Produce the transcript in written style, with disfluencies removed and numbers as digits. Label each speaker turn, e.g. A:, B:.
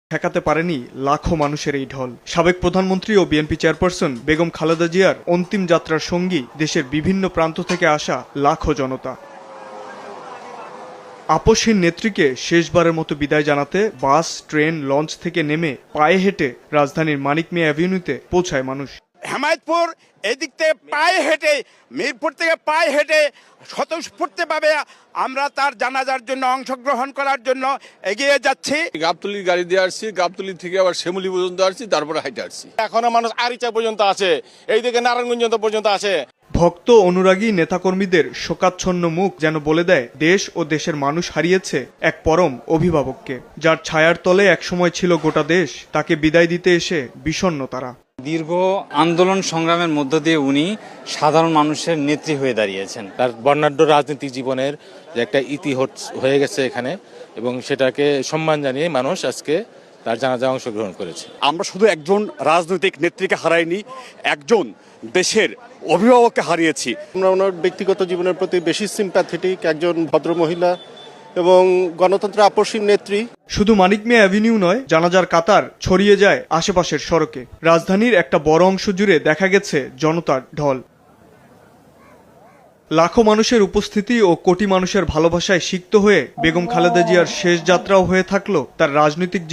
A: ঠেকাতে পারেনি লাখো মানুষের এই ঢল। সাবেক প্রধানমন্ত্রী ও বিএনপি চেয়ারপারসন বেগম খালেদা জিয়ার অন্তিম যাত্রার সঙ্গী দেশের বিভিন্ন প্রান্ত থেকে আসা লাখো জনতা। আপসহীন নেত্রীকে শেষবারের মতো বিদায় জানাতে বাস, ট্রেন, লঞ্চ থেকে নেমে পায়ে হেঁটে রাজধানীর মানিক মিয়া অ্যাভিনিউতে পৌঁছায় মানুষ।
B: হেমায়তপুর এদিক থেকে পায়ে হেঁটে, মিরপুর থেকে পায়ে হেঁটে স্বতঃস্ফূর্তভাবে আমরা তার জানাজার জন্য অংশগ্রহণ করার জন্য এগিয়ে যাচ্ছি।
C: গাবতলির গাড়ি দিয়ে আসছি, গাবতলি থেকে আবার শ্যামলী পর্যন্ত আসছি, তারপরে হাইটে আসছি।
D: এখনো মানুষ আরিচা পর্যন্ত আছে, এইদিকে নারায়ণগঞ্জ পর্যন্ত আছে।
A: ভক্ত, অনুরাগী, নেতাকর্মীদের শোকাচ্ছন্ন মুখ যেন বলে দেয় দেশ ও দেশের মানুষ হারিয়েছে এক পরম অভিভাবককে, যার ছায়ার তলে একসময় ছিল গোটা দেশ। তাকে বিদায় দিতে এসে বিষণ্ণ তারা।
E: দীর্ঘ আন্দোলন সংগ্রামের মধ্য দিয়ে উনি সাধারণ মানুষের নেত্রী হয়ে দাঁড়িয়েছেন।
D: তার বর্ণাঢ্য রাজনৈতিক জীবনের যে একটা ইতি হয়ে গেছে এখানে, এবং সেটাকে সম্মান জানিয়ে মানুষ আজকে তার জানাজায় অংশগ্রহণ করেছে।
F: আমরা শুধু একজন রাজনৈতিক নেত্রীকে হারাইনি, একজন দেশের অভিভাবককে হারিয়েছি।
G: আমরা ওনার ব্যক্তিগত জীবনের প্রতি বেশি সিম্প্যাথেটিক একজন ভদ্র মহিলা এবং গণতন্ত্রের আপসহীন নেত্রী।
A: শুধু মানিক মিয়া অ্যাভিনিউ নয়, জানাজার কাতার ছড়িয়ে যায় আশেপাশের সড়কে। রাজধানীর একটা বড় অংশ জুড়ে দেখা গেছে জনতার ঢল। লাখো মানুষের উপস্থিতি ও কোটি মানুষের ভালোবাসায় সিক্ত হয়ে বেগম খালেদা জিয়ার শেষ যাত্রাও হয়ে থাকলো তার রাজনৈতিক